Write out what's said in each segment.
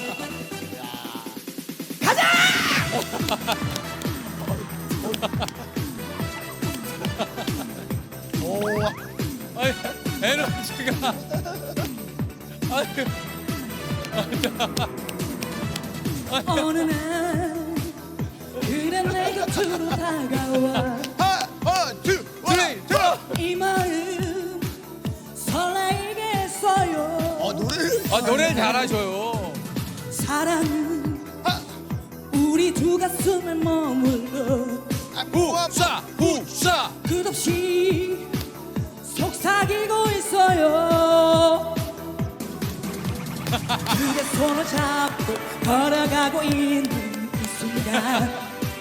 오, 아니, 에너지가. 아니, 어느 날 그래 내 곁으로 다가와 하나, 둘, 이 마음 설레게 했어요. 노래를. 노래를 잘하셔요. 사랑은 우리 두 가슴에 머물러 후싸, 후싸. 끝없이 속삭이고 있어요. 그대 손을 잡고 걸어가고 있는 이 순간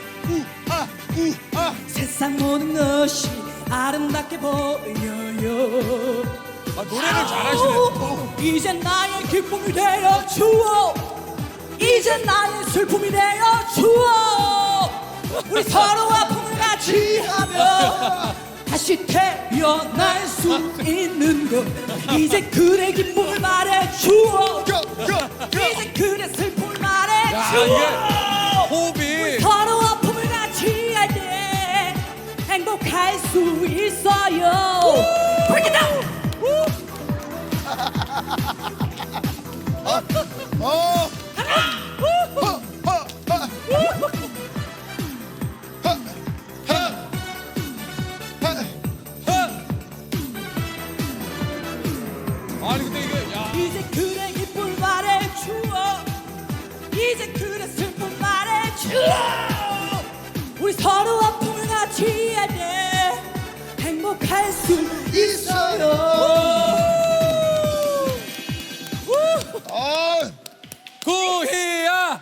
세상 모든 것이 아름답게 보여요. 노래를 잘하시네. 이제 나의 기쁨이 되어 주어, 이제 나의 슬픔이 되어 주어. 우리 서로 아픔을 같이 하며 다시 태어날 수 있는 것. 이제 그대 기쁨을 말해 주어, 이제 그대 슬픔을 말해 야, 주어. 이게 호흡이. 서로 아픔을 같이 할 때 행복할 수 있어요. Break it down. 아니, 근데 이게, 야. 이제 그대 기쁨 말해 주어, 이제 그대 슬픔 말해 주어. 우리 서로 아픔을 같이 할 때 행복할 수 있어요. 구희야!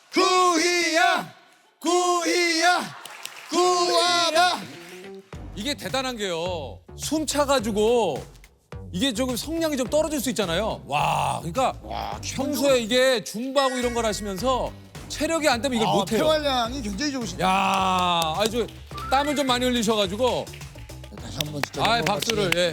구하라. 이게 대단한 게요. 숨 차가지고 이게 조금 성량이 좀 떨어질 수 있잖아요. 와, 그러니까 평소에 이게 줌바하고 이런 걸 하시면서 체력이 안 되면 이걸 못해요. 폐활량이 굉장히 좋으시네. 야, 아주 땀을 좀 많이 흘리셔가지고. 다시 한번 진짜. 아, 넘어갔지. 박수를. 예.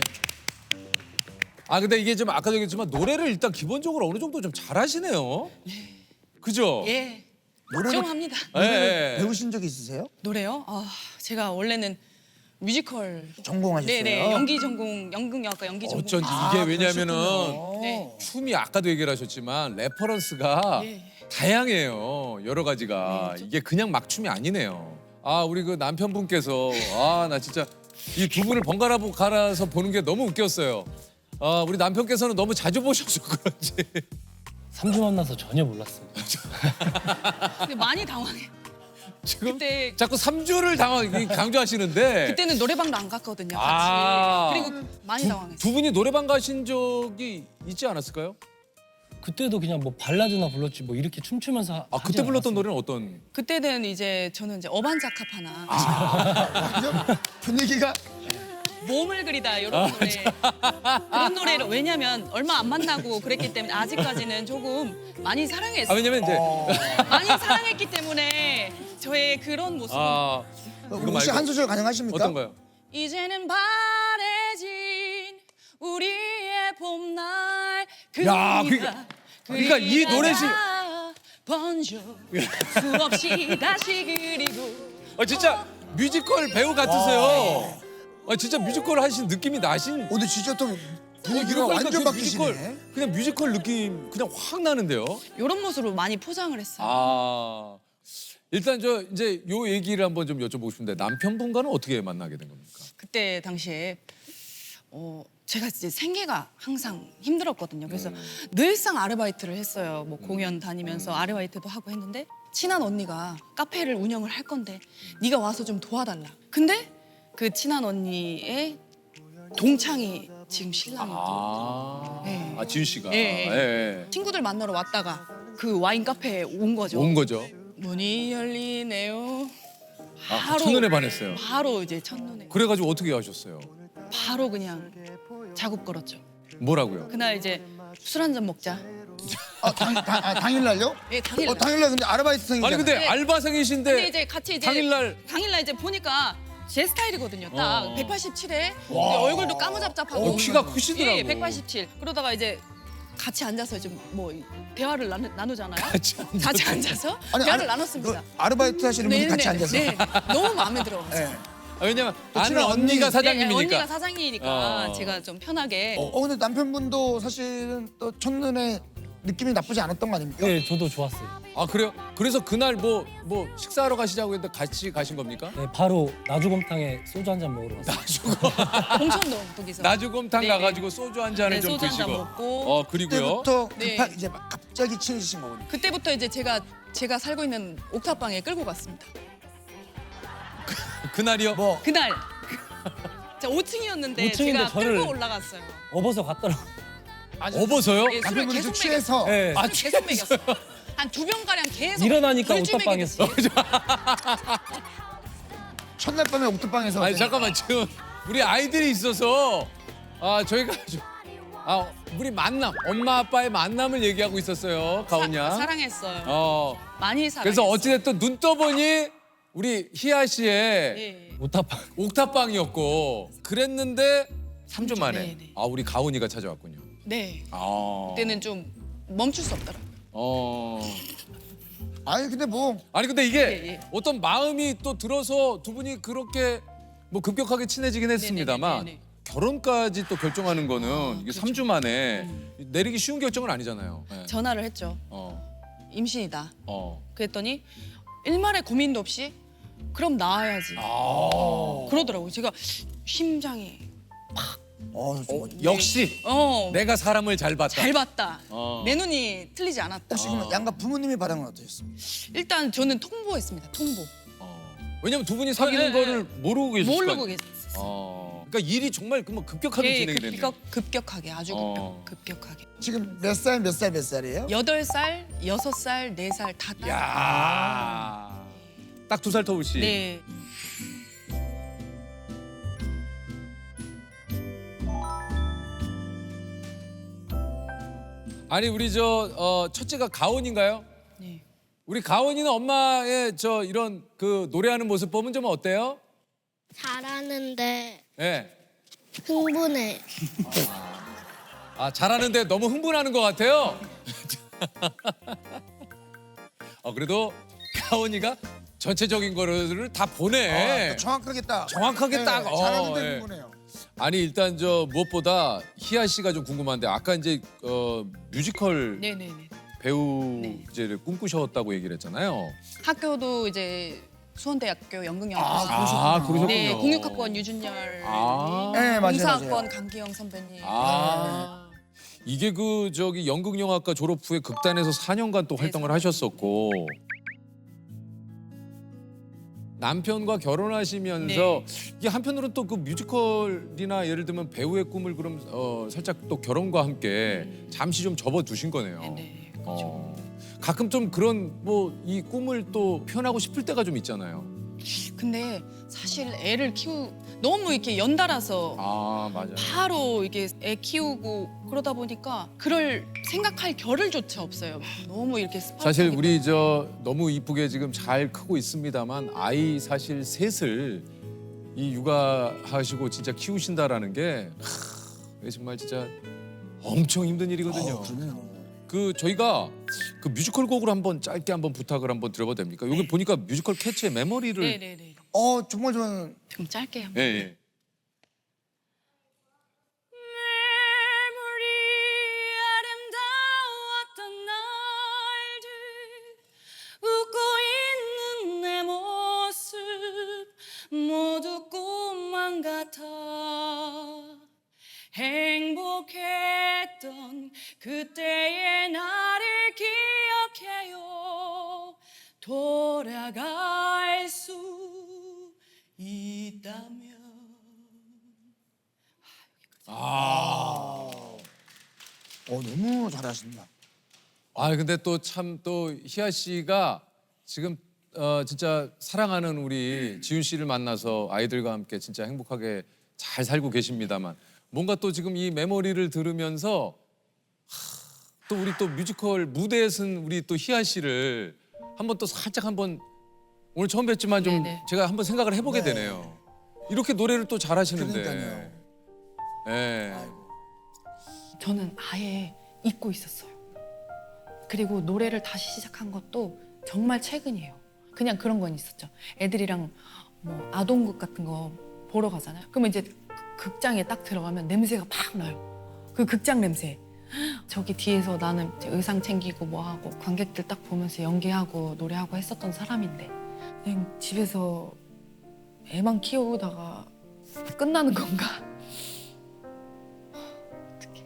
아, 근데 이게 좀 아까도 얘기했지만 노래를 일단 기본적으로 어느 정도 좀 잘하시네요. 그죠? 예, 노래를 좀 합니다. 예. 배우신 적 있으세요? 노래요? 제가 원래는 뮤지컬 전공하셨어요? 네네 연기 전공 연극영화과 연기 전공. 어쩐지 이게 왜냐면은 네. 춤이 아까도 얘기를 하셨지만 레퍼런스가 예. 다양해요. 여러 가지가. 이게 그냥 막 춤이 아니네요. 아, 우리 그 남편분께서 나 진짜 이 두 분을 번갈아 갈아서 보는 게 너무 웃겼어요. 우리 남편께서는 너무 자주 보셔서 그런지. 3주 만나서 전혀 몰랐습니다. 근데 많이 당황해. 지금 그때 자꾸 3주를 강조하시는데 그때는 노래방도 안 갔거든요. 같이. 아. 그리고 많이 당황했어요. 두 분이 노래방 가신 적이 있지 않았을까요? 그때도 그냥 뭐 발라드나 불렀지 뭐 이렇게 춤추면서 아, 그때 불렀던 노래는 어떤? 그때는 저는 이제 어반자카파나 완전 분위기가. 몸을 그리다 이런 노래 그런 노래를 왜냐면 얼마 안 만나고 그랬기 때문에 아직까지는 조금 많이 사랑했어요. 왜냐면 이제 많이 사랑했기 때문에 저의 그런 모습. 이거 혹시 말고 한 소절 가능하십니까? 어떤가요? 이제는 바래진 우리의 봄날 야, 그러니까 이 노래시- 번져 수없이 다시 그리고 진짜 뮤지컬 배우 같으세요. 진짜 뮤지컬 하신 느낌이 나신. 근데 진짜 또 분위기가 그러니까 완전 그 바뀌시네. 그냥 뮤지컬 느낌 그냥 확 나는데요. 이런 모습으로 많이 포장을 했어요. 일단 저 이제 요 얘기를 한번 좀 여쭤보고 싶은데 남편분과는 어떻게 만나게 된 겁니까? 그때 당시에 제가 이제 생계가 항상 힘들었거든요. 그래서 늘상 아르바이트를 했어요. 뭐 공연 다니면서 아르바이트도 하고 했는데 친한 언니가 카페를 운영을 할 건데 네가 와서 좀 도와달라. 근데 그 친한 언니의 동창이 지금 신랑이고 네. 지윤 씨가. 예, 예. 예. 친구들 만나러 왔다가 그 와인 카페에 온 거죠. 온 거죠. 문이 열리네요. 첫눈에 반했어요. 바로 이제 첫눈에 그래가지고 어떻게 하셨어요? 바로 그냥 작업 걸었죠. 뭐라고요? 그날 이제 술 한 잔 먹자. 당일날요? 예, 당일. 당일날 근데 아르바이트생이잖아요. 아니 근데 네. 알바생이신데 근데 이제 같이 이제 당일날 이제 보니까 제 스타일이거든요. 딱 187에 얼굴도 까무잡잡하고 키가 크시더라고. 예, 187. 그러다가 이제 같이 앉아서 좀 뭐 대화를 나누잖아요. 같이 같이 앉아서 아니, 대화를 아르- 나눴습니다. 그 아르바이트 하시는 분이 같이 앉아서. 네, 너무 마음에 들어요. 네. 아, 왜냐면 아는 친한 언니. 언니가 네, 사장님이니까. 언니가 사장이니까 어. 제가 좀 편하게. 근데 남편분도 사실은 또 첫눈에 느낌이 나쁘지 않았던 거 아닙니까? 네, 저도 좋았어요. 아 그래요? 그래서 그날 뭐 식사하러 가시자고 했는데 같이 가신 겁니까? 네, 바로 나주곰탕에 소주 한 잔 먹으러 갔어요. 공천동 거기서. 나주곰탕 네, 가가지고 소주 한 잔을 네, 좀 소주 한잔 드시고. 먹고. 그리고요. 그때부터 네. 이제 막 갑자기 친해지신 거군요. 그때부터 이제 제가 살고 있는 옥탑방에 끌고 갔습니다. 그날이요. 뭐 그날 저 5층이었는데 5층인데 제가 저를- 끌고 올라갔어요. 업어서 갔더라고. 업어서요? 예, 술을 남편분이 계속 좀 취해서 네. 아, 계속 먹였어요. 한 2병 가량 계속. 일어나니까 술집 옥탑방이었어. 먹이듯이. 첫날 밤에 옥탑방에서 아니 잠깐만 지금 우리 아이들이 있어서 저희가 우리 만남 엄마 아빠의 만남을 얘기하고 있었어요 가온 양. 사랑했어요. 많이 사랑했어요. 그래서 어찌됐든 눈 떠보니 우리 희아 씨의 예. 오타빵. 옥탑방이었고 그랬는데 3주 만에 네, 네. 우리 가온이가 찾아왔군요. 네. 아. 그때는 좀 멈출 수 없더라고요. 아니 근데 뭐 아니 근데 이게 예, 예. 어떤 마음이 또 들어서 두 분이 그렇게 뭐 급격하게 친해지긴 했습니다만 네네네네. 결혼까지 또 결정하는 거는 이게 그렇죠. 3주 만에 내리기 쉬운 결정은 아니잖아요. 네. 전화를 했죠. 어. 임신이다. 어. 그랬더니 일말의 고민도 없이 그럼 나와야지. 그러더라고요. 제가 심장이 역시 내가 사람을 잘 봤다. 잘 봤다. 어. 내 눈이 틀리지 않았다. 혹시 그럼 양가 부모님의 반응은 어떠셨습니까? 일단 저는 통보했습니다. 통보. 왜냐면 두 분이 사귀는 네, 거를 모르고 계셨을 거 모르고 아니에요. 계셨어요. 그러니까 일이 정말 뭐 급격하게 예, 진행이 됐네요. 급격하게 아주 어. 급격하게. 지금 몇 살 몇 살이에요? 8살, 6살, 4살 다 딸. 야. 딱 2살 터울씨. 네. 아니 우리 첫째가 가온인가요? 네. 우리 가온이는 엄마의 이런 그 노래하는 모습 보면 좀 어때요? 잘하는데 예. 흥분해. 잘하는데 너무 흥분하는 것 같아요. 그래도 가온이가 전체적인 거를 다 보내. 또 정확하게 딱. 정확하게 네, 딱. 잘하는데 예. 흥분해요. 아니 일단 무엇보다 희아 씨가 좀 궁금한데 아까 이제 뮤지컬 네네네. 배우 네. 이제를 꿈꾸셨다고 얘기를 했잖아요. 학교도 이제 수원대학교 연극영화. 그러셨군요. 네, 공육학번 유준열. 네, 맞아요, 공사학번 맞아요. 강기영 선배님. 이게 연극영화과 졸업 후에 극단에서 4년간 또 활동을 하셨었고 남편과 결혼하시면서 네. 이게 한편으로는 또 그 뮤지컬이나 예를 들면 배우의 꿈을 그럼 살짝 또 결혼과 함께 잠시 좀 접어두신 거네요. 네네. 그렇죠. 가끔 좀 그런 이 꿈을 또 표현하고 싶을 때가 좀 있잖아요. 근데 사실 애를 너무 이렇게 연달아서 맞아요. 바로 이게 애 키우고 그러다 보니까 그럴 생각할 겨를조차 없어요. 너무 이렇게 사실 스파르타하게 우리 너무 이쁘게 지금 잘 크고 있습니다만 아이 사실 셋을 이 육아하시고 진짜 키우신다라는 게 이게 정말 진짜 엄청 힘든 일이거든요. 그러네요. 저희가 그 뮤지컬 곡을 한번 짧게 한번 부탁을 한번 드려봐도 됩니까? 여기 보니까 뮤지컬 캐치의 메모리를 네네네. 정말 저는 좀 짧게 한번. 예. 메모리 아름다웠던 날들 웃고 있는 내 모습 모두 꿈만 같아 행복했던 그때의 나를 기억해요 돌아갈 수 있다면 너무 잘하신다. 근데 또 참 또 희아 씨가 지금 진짜 사랑하는 우리 지훈 씨를 만나서 아이들과 함께 진짜 행복하게 잘 살고 계십니다만 뭔가 또 지금 이 메모리를 들으면서 또 우리 또 뮤지컬 무대에 선 우리 또 희아 씨를 한번 또 살짝 한번 오늘 처음 뵀지만 좀 네네. 제가 한번 생각을 해보게 네. 되네요. 이렇게 노래를 또 잘하시는데. 그러니까요. 예. 저는 아예 잊고 있었어요. 그리고 노래를 다시 시작한 것도 정말 최근이에요. 그냥 그런 건 있었죠. 애들이랑 뭐 아동극 같은 거 보러 가잖아요. 그러면 이제 극장에 딱 들어가면 냄새가 팍 나요. 그 극장 냄새. 저기 뒤에서 나는 이제 의상 챙기고 뭐 하고 관객들 딱 보면서 연기하고 노래하고 했었던 사람인데 그냥 집에서 애만 키우다가 끝나는 건가? 어떡해.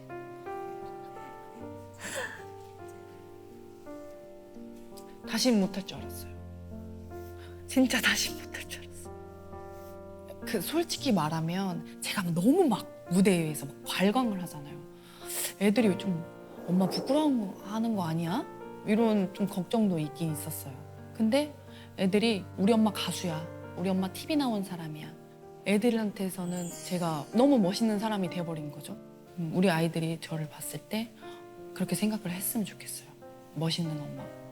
다시는 못할 줄 알았어요. 진짜 다시 못할 줄 알았어요. 그 솔직히 말하면 제가 너무 막 무대에서 막 발광을 하잖아요. 애들이 좀 엄마 부끄러워하는 거 아니야? 이런 좀 걱정도 있긴 있었어요. 근데 애들이 우리 엄마 가수야. 우리 엄마 TV 나온 사람이야. 애들한테서는 제가 너무 멋있는 사람이 돼버린 거죠. 우리 아이들이 저를 봤을 때 그렇게 생각을 했으면 좋겠어요. 멋있는 엄마.